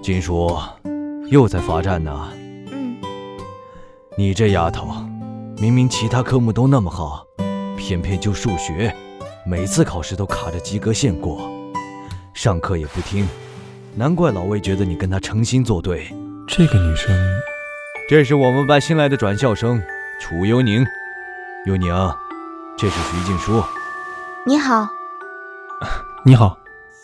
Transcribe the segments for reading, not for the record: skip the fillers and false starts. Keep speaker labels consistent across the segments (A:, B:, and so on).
A: 金叔，又在罚站呢。你这丫头，明明其他科目都那么好，偏偏就数学，每次考试都卡着及格线过，上课也不听，难怪老魏觉得你跟她诚心作对。
B: 这个女生，
A: 这是我们班新来的转校生楚幽宁。幽宁，这是徐静书。
C: 你好。
B: 你好。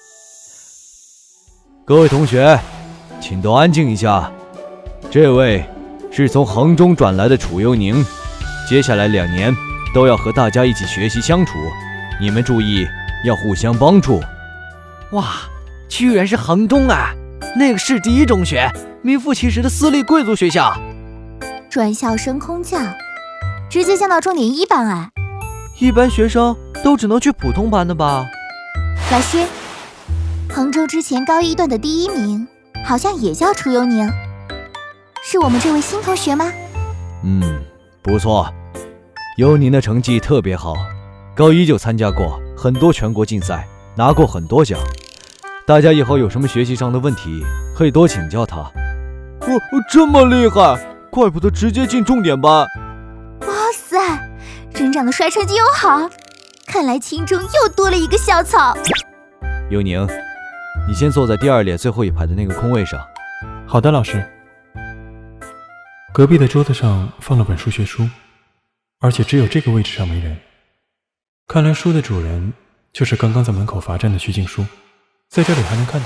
A: 各位同学，请都安静一下。这位是从衡中转来的楚幽宁，接下来2年都要和大家一起学习相处，你们注意要互相帮助。
D: 哇，居然是衡中啊，那个市第1中学，名副其实的私立贵族学校。
C: 转校升空降，直接降到重点1班啊。
D: 一般学生都只能去普通班的吧？
C: 老师，衡中之前高1段的第1名好像也叫楚幽宁，是我们这位新同学吗？
A: 不错，幽宁的成绩特别好，高1就参加过很多全国竞赛，拿过很多奖。大家以后有什么学习上的问题，可以多请教他。
D: 这么厉害，怪不得直接进重点班。
C: 哇塞，人长得帅，成绩又好，看来清中又多了一个校草。
A: 幽宁，你先坐在第2列最后一排的那个空位上。
B: 好的，老师。隔壁的桌子上放了本数学书，而且只有这个位置上没人。看来书的主人就是刚刚在门口罚站的徐静书，在这里还能看到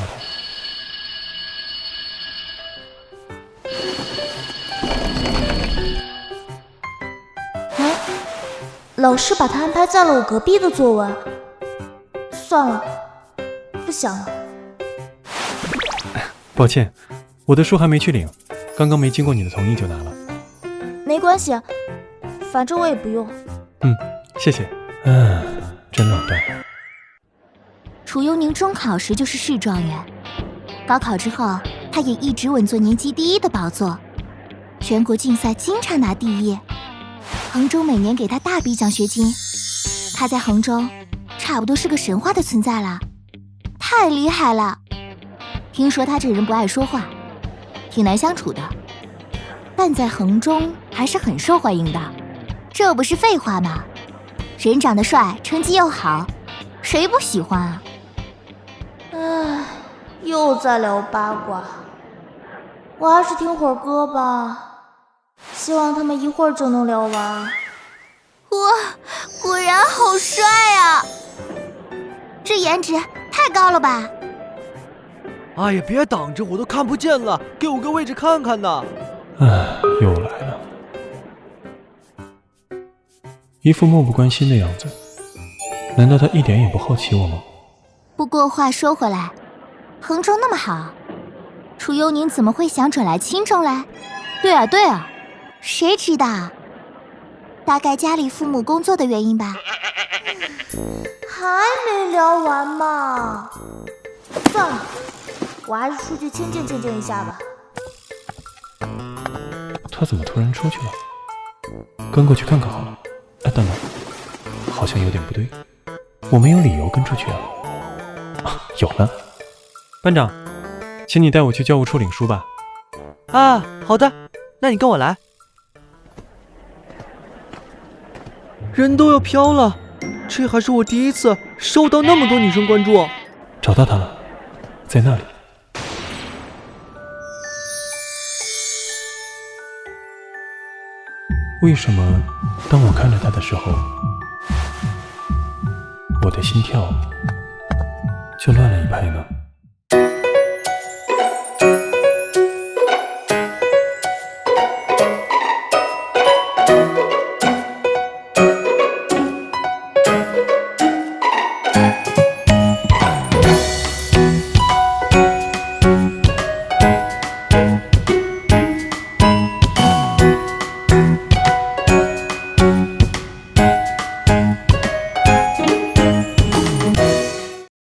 E: 他。老师把他安排在了我隔壁的座位。算了，不想了。
B: 抱歉，我的书还没去领，刚刚没经过你的同意就拿了。
E: 没关系，反正我也不用。
B: 谢谢。真老段。
C: 楚幽宁中考时就是市状元，高考之后他也一直稳坐年级第1的宝座，全国竞赛经常拿第1，衡中每年给他大笔奖学金，他在衡中差不多是个神话的存在了，太厉害了。听说他这人不爱说话，挺难相处的，但在衡中还是很受欢迎的，这不是废话吗？人长得帅，成绩又好，谁不喜欢啊？
E: 又在聊八卦，我还是听会儿歌吧，希望他们一会儿就能聊完。
C: 哇，果然好帅啊！这颜值太高了吧！
D: 哎呀，别挡着，我都看不见了，给我个位置看看呢。
B: 又来了，一副漠不关心的样子，难道他一点也不好奇我吗？
C: 不过话说回来，衡中那么好，楚幽宁怎么会想转来清中来？对啊，谁知道？大概家里父母工作的原因吧。
E: 还没聊完嘛？算了，我还是出去清静一下吧。
B: 他怎么突然出去了？跟过去看看好了。等等，好像有点不对，我没有理由跟出去啊。有了，班长，请你带我去教务处领书吧。
D: 好的，那你跟我来。人都要飘了，这还是我第1次收到那么多女生关注。
B: 找到他了，在那里。为什么当我看着他的时候，我的心跳就乱了一拍呢？